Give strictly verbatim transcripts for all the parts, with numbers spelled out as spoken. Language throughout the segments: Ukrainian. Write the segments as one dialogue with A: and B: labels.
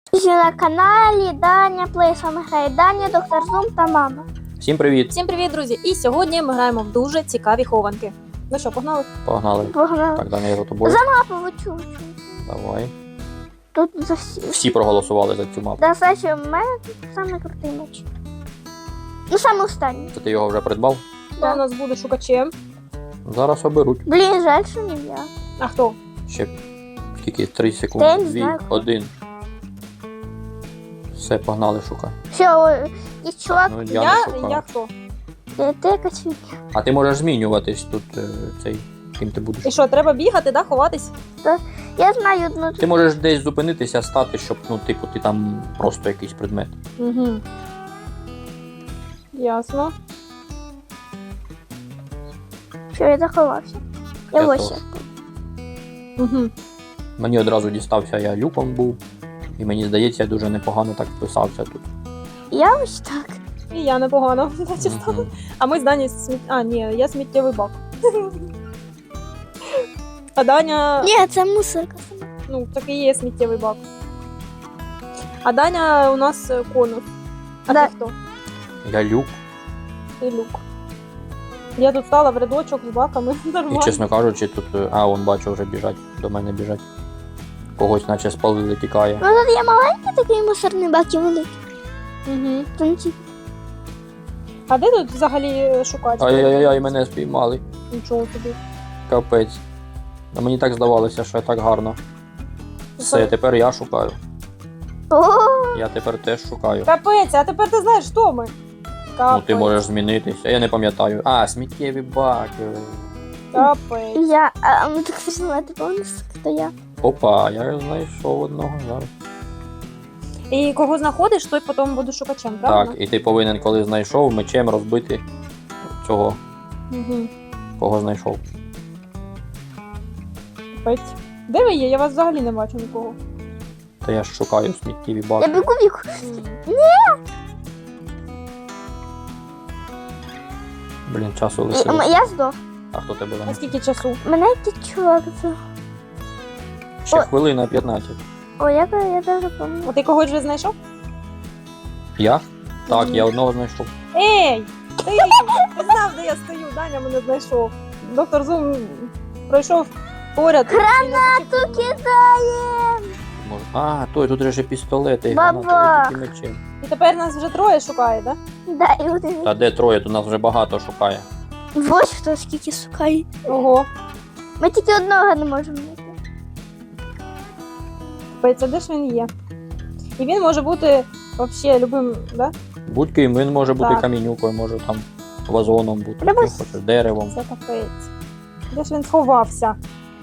A: Друзі, на каналі Даня Плей. З вами грає Даня, доктор Зум та мама.
B: Всім привіт!
C: Всім привіт, друзі! І сьогодні ми граємо в дуже цікаві хованки. Ну що, погнали?
B: Погнали.
A: Погнали.
B: Так, Даня, я за тобою.
A: За мапу вичу.
B: Давай.
A: Тут за всі.
B: Всі проголосували за цю мапу.
A: Да, Саші, в мене тут самий крутий меч. Ну, саме останній.
B: Це ти його вже придбав?
C: Хто
A: Да.
C: у нас буде шукачем?
B: Зараз оберуть.
A: Блін, жаль, що не я.
C: А хто?
B: Ще скільки? Три
A: Та я
B: секунди.
A: не
B: Дві,
A: знаю.
B: один. Все, погнали, шукай.
A: Все, о, є чувак,
B: Ну,
C: Я,
B: я, не шукав.
C: я хто?
A: ти, ти якась фігня.
B: А ти можеш змінюватись тут е, цей, ким ти будеш.
C: І що, треба бігати, да, ховатись?
A: Я знаю одну.
B: Ти можеш десь зупинитися, стати, щоб, ну, типу, ти там просто якийсь предмет.
C: Угу. Ясно.
A: Що я заховався. Я
B: Я
A: ось.
B: теж.
C: Угу.
B: Мені одразу дістався, я люком був. І мені здається, я дуже непогано так вписався тут.
A: Я ось так.
C: І я непогано. Чесно.
B: Мгм.
C: А ми з Дані сміт... А, ні, я сміттєвий бак. А Даня...
A: Ні, це мусорка.
C: Ну, так і є сміттєвий бак. А Даня у нас е, конус. А
A: Да.
C: ти хто?
B: Я люк.
C: І люк. Я тут стала в рядочок з баками.
B: І,
C: Нормально.
B: чесно кажучи, тут. е, А, он бачу, вже біжать, до мене біжать. Когось наче спалили, тікає.
A: Ну тут є маленький такий мусорний бак і великий.
C: Угу.
A: Там ті-
C: А де тут взагалі е, шукати?
B: Ай-яй-яй, мене спіймали.
C: Нічого собі.
B: Капець. А мені так здавалося, що я так гарно. Все, тепер я шукаю.
A: О,
B: Я тепер теж шукаю.
C: Капець, а тепер ти знаєш, хто ми? Капець.
B: Ну ти можеш змінитися. Я не пам'ятаю. А, сміттєві баки.
C: Капець.
A: я, а ми так знати повністю, хто я.
B: Опа, я знайшов одного зараз.
C: І кого знаходиш, той потім буде шукачем, правильно?
B: Так, і ти повинен, коли знайшов, мечем розбити цього,
C: Угу.
B: кого знайшов.
C: Капець. Де ви є? Я вас взагалі не бачу нікого.
B: Та я ж шукаю сміттєві
A: Я
B: баки.
A: бігу бігу.
C: М.
B: Блін, часу
A: М,
B: лишилось.
A: Я здох.
B: А хто тебе
C: А
B: там?
C: скільки часу?
A: Мене якийсь чувак здох.
B: Ще
A: О.
B: хвилина п'ятнадцять.
A: О, я, я даже пам'ятаю.
C: А ти когось вже знайшов?
B: Я? Так,
C: Мгм.
B: я одного знайшов.
C: Ей! Ти! Ти знав, де я стою, Даня мене знайшов. Доктор Зум пройшов поряд.
A: Гранату кидаємо!
B: Може- А, той, тут же ще пістолети. і
A: Баба.
B: гранати, і мечі.
C: І тепер нас вже троє шукає, так?
A: Да, і один.
B: Та де троє, тут нас вже багато шукає.
A: Ось хто скільки шукає.
C: Да? Ого.
A: Ми тільки одного не можемо знайти.
C: Капець, а де ж він є? І він може бути взагалі любим, да?
B: Будь-ким, він може бути
C: Так.
B: камінюкою, може там вазоном бути,
A: Треба
B: що хочеш, деревом.
C: Це капець. Де ж він сховався?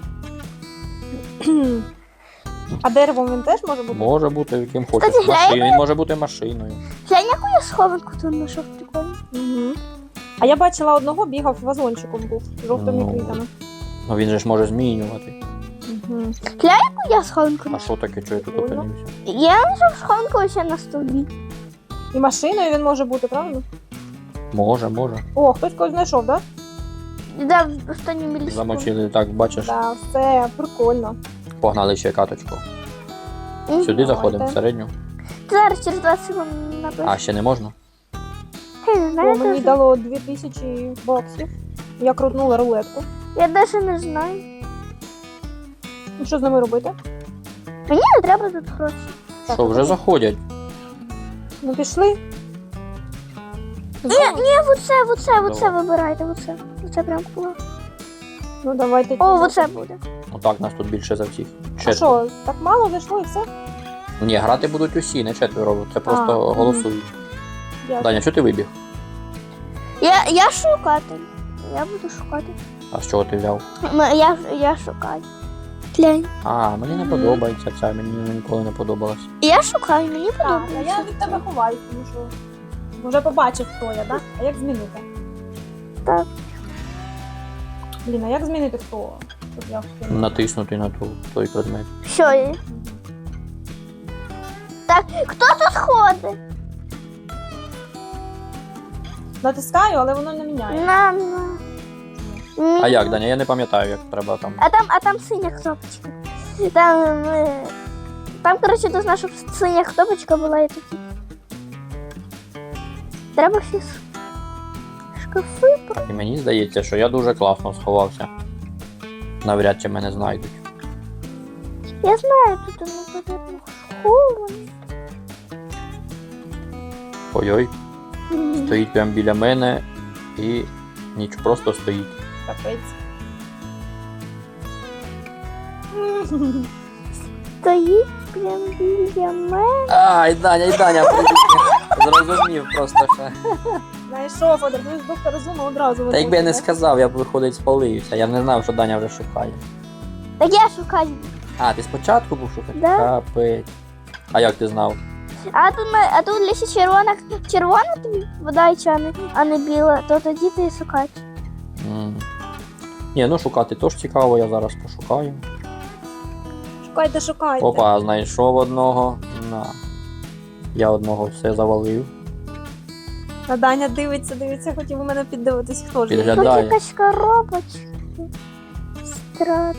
C: А деревом він теж може бути?
B: Може бути яким хочеш.
A: Кстати,
B: Машиною, він може бути машиною.
A: Глянь, яку я схованку тут знайшов прикольно.
C: Угу. А я бачила одного, бігав вазончиком був, з жовтими
B: Ну.
C: квітами.
B: Ну він же ж може змінювати.
C: Угу.
A: Яку я схованку
B: А
A: знайшов?
B: що таке, що я тут
C: Прикольно.
B: опинився?
A: Я знайшов схованку ось на стовбі.
C: І машиною він може бути, правильно?
B: Може, може.
C: О, хтось когось знайшов, так?
A: Да, в останню міліску.
B: Замочили, так, бачиш.
C: Да? Так, все, прикольно.
B: Погнали ще каточку.
A: Мгм.
B: Сюди заходимо,
C: Давайте.
B: в середню.
A: Зараз через двадцять секунд напишу.
B: А, ще не можна?
A: Я не
C: О,
A: знаю,
C: мені
A: теж.
C: дало дві тисячі баксів. Я крутнула рулетку.
A: Я навіть не знаю.
C: Ну що з ними робити?
A: Мені не треба тут гроші.
C: Так,
B: Що, вже заходять?
C: Ну пішли.
A: Ні, ні, оце, оце, оце
B: Давай.
A: вибирайте, оце. Оце прям клас.
C: Ну давайте.
A: О, оце буде.
B: Ну так, нас тут більше за всіх.
C: А
B: Четверо.
C: що, так мало зайшло і все?
B: Ні, грати будуть усі, не четверо. Це просто
C: А,
B: голосують.
C: Дякую.
B: Даня, що ти вибіг?
A: Я, я шукати. Я буду шукати.
B: А з чого ти взяв?
A: М- Я, я шукаю. Глянь.
B: А, мені не
C: Мгм.
B: подобається ця, мені ніколи не подобалась.
A: Я шукаю, мені
C: Так, а
A: подобається.
C: я від тебе ховаюсь, тому що вже побачив, хто я, так? А як змінити?
A: Так.
C: Блін, а як змінити хто? Щоб я хотіла?
B: Натиснути на ту, той предмет.
A: Що є? Так, хто тут ходить?
C: Натискаю, але воно не міняє.
A: На, на.
B: А як, Даня? Я не пам'ятаю, як треба там.
A: А там, а там синя кнопочка. Там, е, Там, коротше, должна, щоб синя кнопочка була і такі. Треба всі с- шкафи про.
B: І мені здається, що я дуже класно сховався. Навряд чи мене знайдуть.
A: Я знаю, тут воно потрібно сховано.
B: Ой-ой, стоїть прямо біля мене і ніч просто стоїть.
C: Капець.
A: Стоїть прям біля мене.
B: Ай, Даня, і Даня, зрозумів просто ще.
C: Знайшов, одразу доктор Зума одразу.
B: Та якби я не
C: виходить,
B: сказав, я б виходить спалився. Я не знав, що Даня вже шукає.
A: Так я шукаю.
B: А, ти спочатку був шукати?
A: Да.
B: Капець. А як ти знав?
A: А тут, ми- а тут лісі червона, червона тобі вода і чани, а не біла, то тоді ти шукаєш.
B: М. Ні, ну шукати теж цікаво, я зараз пошукаю.
C: Шукайте, шукайте.
B: Опа, знайшов одного. На. Я одного все завалив.
C: А Даня дивиться, дивиться, хотів у мене піддивитись, хто ж. він.
B: Підгляд-
A: Тут
B: Гадаю.
A: якась коробочка. Страшно.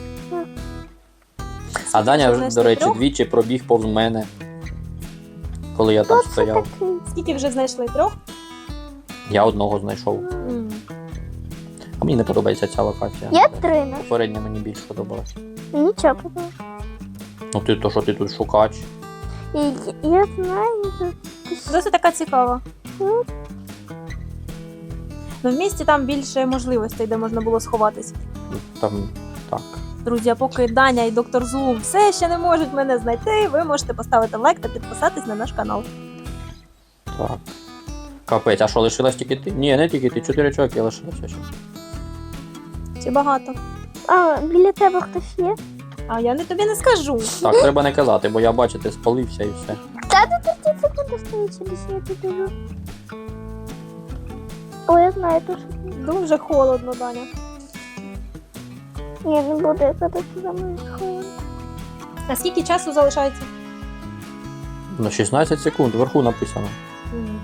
B: А Даня,
C: Скільки
B: до речі,
C: трьох?
B: двічі пробіг повз мене, коли я там
A: Хто це
B: стояв.
A: такий?
C: Скільки вже знайшли? Трьох?
B: Я одного знайшов.
C: М.
B: А мені не подобається ця локація.
A: Я три на.
B: Попередня мені більш подобалась.
A: Нічого подобається.
B: Ну ти то, що ти тут шукач.
A: І я знаю, тут
C: Досить така цікава.
A: Ну.
C: Ну, в місті там більше можливостей, де можна було сховатись.
B: Там так.
C: Друзі, а поки Даня і доктор Зум все ще не можуть мене знайти, ви можете поставити лайк та підписатись на наш канал.
B: Так. Капець, а що, лишилась тільки ти? Ні, не тільки ти, чотири чоловіки лишилося ще.
C: Чи багато?
A: А, біля тебе хтось є?
C: А я не тобі не скажу.
B: Так, треба не казати, бо я бачите, спалився і все.
A: Та тут ті секунди стоїть, через я піду. О, я знаю, то що.
C: Дуже холодно, Даня.
A: Ні, не буду, я коли ти за мною схована.
C: А скільки часу залишається?
B: На шістнадцять секунд, вверху написано.
C: Мгм.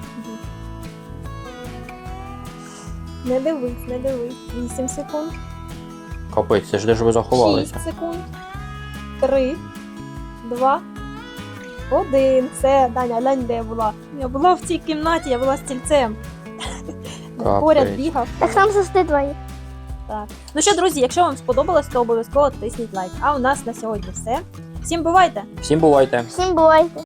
C: Не дивись, не дивись. вісім секунд.
B: Капець, це ж де ж ви заховалися?
C: шість секунд. три, два, один. Все, Даня, глянь, де я була. Я була в цій кімнаті, я була стільцем.
B: Капець.
C: Поряд бігав.
A: Так там завжди двоє.
C: Так. Ну що, друзі, якщо вам сподобалось, то обов'язково тисніть лайк. А у нас на сьогодні все. Всім бувайте!
B: Всім бувайте!
A: Всім бувайте.